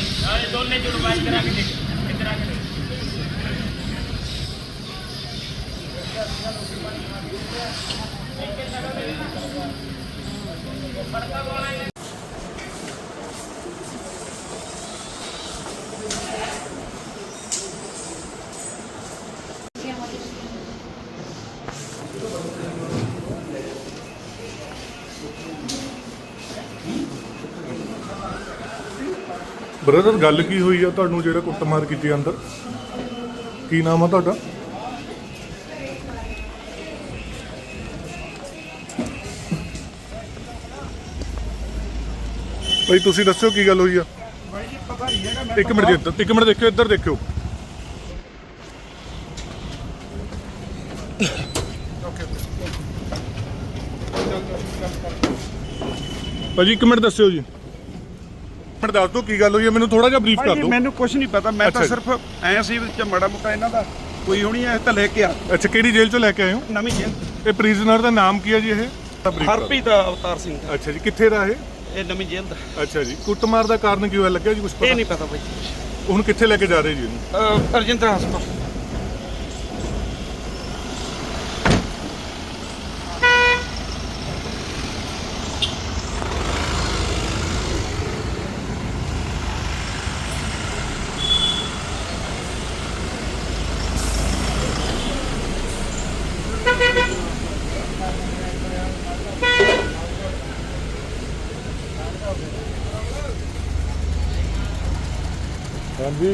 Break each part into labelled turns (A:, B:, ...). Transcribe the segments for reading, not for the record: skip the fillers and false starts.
A: दोनों जुड़वाई करा के करा के
B: ਬ੍ਰਦਰ ਗੱਲ ਕੀ ਹੋਈ ਆ ਤੁਹਾਨੂੰ ਜਿਹੜਾ ਕੁੱਟਮਾਰ ਕੀਤੀ ਅੰਦਰ? ਕੀ ਨਾਮ ਆ ਤੁਹਾਡਾ? ਭਾਈ ਤੁਸੀਂ ਦੱਸਿਓ ਕੀ ਗੱਲ ਹੋਈ ਆ। ਇੱਕ ਮਿੰਟ ਜੀ, ਇੱਕ ਮਿੰਟ ਦੇਖਿਓ, ਇੱਧਰ ਦੇਖਿਓ। ਭਾਜੀ ਇੱਕ ਮਿੰਟ ਦੱਸਿਓ ਜੀ, ਮਿੰਟ ਦੱਸ ਦਿਓ ਕੀ ਗੱਲ ਹੋਈ ਹੈ, ਮੈਨੂੰ ਥੋੜਾ ਜਿਹਾ ਬਰੀਫ ਕਰ ਦਿਓ।
C: ਮੈਨੂੰ ਕੁਝ ਨਹੀਂ ਪਤਾ, ਮੈਂ ਤਾਂ ਸਿਰਫ ਐਂ ਸੀ ਵਿੱਚ ਮਾੜਾ ਮੋਟਾ ਇਹਨਾਂ ਦਾ ਕੋਈ ਹੋਣੀ ਐ ਤਾਂ ਲੈ ਕੇ ਆ।
B: ਅੱਛਾ, ਕਿਹੜੀ ਜੇਲ੍ਹ ਚੋਂ ਲੈ ਕੇ ਆਏ ਹੋ?
C: ਨਵੀਂ ਜੇਲ੍ਹ।
B: ਇਹ ਪ੍ਰਿਜ਼ਨਰ ਦਾ ਨਾਮ ਕੀ ਹੈ ਜੀ? ਇਹ
C: ਹਰਪ੍ਰੀਤ ਅਵਤਾਰ ਸਿੰਘ।
B: ਅੱਛਾ ਜੀ, ਕਿੱਥੇ ਦਾ
C: ਇਹ ਨਵੀਂ ਜੇਲ੍ਹ ਦਾ।
B: ਅੱਛਾ ਜੀ, ਕੁੱਟਮਾਰ ਦਾ ਕਾਰਨ ਕੀ ਹੋਇਆ ਲੱਗਿਆ ਜੀ ਕੁਝ ਪਤਾ?
C: ਇਹ ਨਹੀਂ ਪਤਾ ਬਾਈ।
B: ਹੁਣ ਕਿੱਥੇ ਲੈ ਕੇ ਜਾ ਰਹੇ ਜੀ ਇਹਨੂੰ?
C: ਰਜਿੰਦਰਾ ਹਸਪਤਾਲ।
B: ਹਾਂਜੀ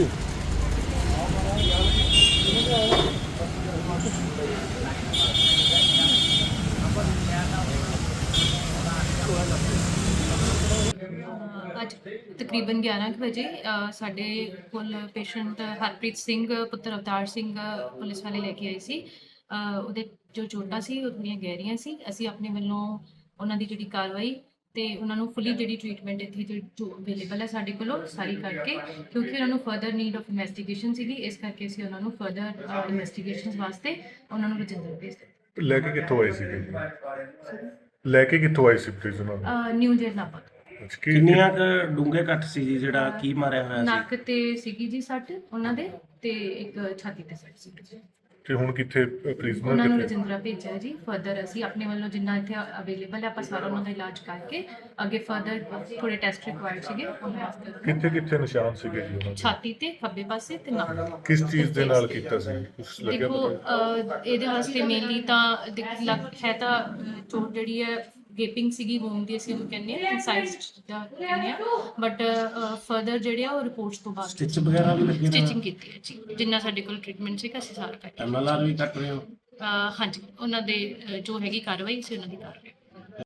D: ਅੱਜ ਤਕਰੀਬਨ 11 ਕੁ ਵਜੇ ਸਾਡੇ ਕੋਲ ਪੇਸ਼ੈਂਟ ਹਰਪ੍ਰੀਤ ਸਿੰਘ ਪੁੱਤਰ ਅਵਤਾਰ ਸਿੰਘ ਪੁਲਿਸ ਵਾਲੇ ਲੈ ਕੇ ਆਏ ਸੀ। ਉਹਦੇ ਜੋ ਚੋਟਾਂ ਸੀ ਉਹ ਥੋੜ੍ਹੀਆਂ ਗਹਿਰੀਆਂ ਸੀ। ਅਸੀਂ ਆਪਣੇ ਵੱਲੋਂ ਉਹਨਾਂ ਦੀ ਜਿਹੜੀ ਕਾਰਵਾਈ ਤੇ ਉਹਨਾਂ ਨੂੰ ਫੁੱਲੀ ਜਿਹੜੀ ਟ੍ਰੀਟਮੈਂਟ ਇੱਥੇ ਜੋ ਅਵੇਲੇਬਲ ਹੈ ਸਾਡੇ ਕੋਲੋਂ ਸਾਰੀ ਕਰਕੇ, ਕਿਉਂਕਿ ਉਹਨਾਂ ਨੂੰ ਫਰਦਰ ਨੀਡ ਆਫ ਇਨਵੈਸਟੀਗੇਸ਼ਨ ਸੀਗੀ, ਇਸ ਕਰਕੇ ਅਸੀਂ ਉਹਨਾਂ ਨੂੰ ਫਰਦਰ ਇਨਵੈਸਟੀਗੇਸ਼ਨਸ ਵਾਸਤੇ ਉਹਨਾਂ ਨੂੰ ਰਜਿੰਦਰ ਭੇਜ ਦਿੱਤਾ।
B: ਲੈ ਕੇ ਕਿੱਥੋਂ ਆਏ ਸੀ? ਲੈ ਕੇ ਕਿੱਥੋਂ ਆਏ ਸੀ ਪ੍ਰਿਜ਼ਨਰ?
D: New jail Nabha.
E: ਕਿੰਨੀਆਂ ਕੁ ਡੂੰਘੇ ਕੱਟ ਸੀ ਜੀ ਜਿਹੜਾ ਕੀ ਮਾਰਿਆ ਹੋਇਆ ਸੀ?
D: ਨੱਕ ਤੇ ਸੀਗੀ ਜੀ ਸੱਟ ਉਹਨਾਂ ਦੇ, ਤੇ ਇੱਕ ਛਾਤੀ ਤੇ ਸੱਟ ਸੀ।
B: ਤੇ ਹੁਣ ਕਿੱਥੇ
D: ਉਹਨਾਂ
B: ਪ੍ਰਿਜ਼ਨਰ
D: ਨੂੰ
B: ਕਿੱਥੇ?
D: ਰਜਿੰਦਰਾ ਭੇਜਿਆ ਜੀ। ਫਰਦਰ ਅਸੀਂ ਆਪਣੇ ਵੱਲੋਂ ਜਿੰਨਾ ਇੱਥੇ ਅਵੇਲੇਬਲ ਹੈ ਆਪਾਂ ਸਾਰਾ ਉਹਨਾਂ ਦਾ ਇਲਾਜ ਕਰਕੇ ਅੱਗੇ ਫਰਦਰ ਥੋੜੇ ਟੈਸਟ ਰਿਕੁਆਇਰਡ ਸੀਗੇ ਉਹਨਾਂ ਵਾਸਤੇ
B: ਕਿੱਥੇ ਕਿੱਥੇ ਨਿਸ਼ਾਨ ਸੀਗੇ ਜੀ ਉਹਨਾਂ ਦੇ?
D: ਛਾਤੀ ਤੇ ਖੱਬੇ ਪਾਸੇ ਤੇ ਨੱਕ।
B: ਕਿਸ ਚੀਜ਼ ਦੇ ਨਾਲ ਕੀਤਾ ਸੀ? ਕੁਛ ਲੱਗਿਆ
D: ਦੇਖੋ
B: ਪਤਾ?
D: ਇਹਦੇ ਵਾਸਤੇ ਮੇਨਲੀ ਤਾਂ ਹੈ ਤਾਂ ਚੋਟ ਜਿਹੜੀ ਹੈ ਗੇਪਿੰਗ ਸੀਗੀ, ਵੂਮ ਦੀ ਅਸੀਂ ਉਹਨੂੰ ਕਹਿੰਦੇ ਆ, ਇਨਸਾਈਡ ਦਾ ਕਹਿੰਦੇ ਆ, ਬਟ ਫਰਦਰ ਜਿਹੜੇ ਆ ਉਹ ਰਿਪੋਰਟਸ ਤੋਂ ਬਾਅਦ
E: ਸਟਿਚ ਵਗੈਰਾ ਵੀ ਲੱਗੇ ਨੇ?
D: ਸਟਿਚਿੰਗ ਕੀਤੀ ਹੈ ਜੀ, ਜਿੰਨਾ ਸਾਡੇ ਕੋਲ ਟ੍ਰੀਟਮੈਂਟ ਸੀਗਾ ਅਸੀਂ ਸਾਰਾ ਕਰਕੇ।
E: MLR ਵੀ ਕੱਟ ਰਹੇ ਹੋ?
D: ਹਾਂਜੀ, ਉਹਨਾਂ ਦੇ ਜੋ ਹੈਗੀ ਕਾਰਵਾਈ ਅਸੀਂ ਉਹਨਾਂ ਦੀ ਕਰ ਰਹੇ ਹਾਂ।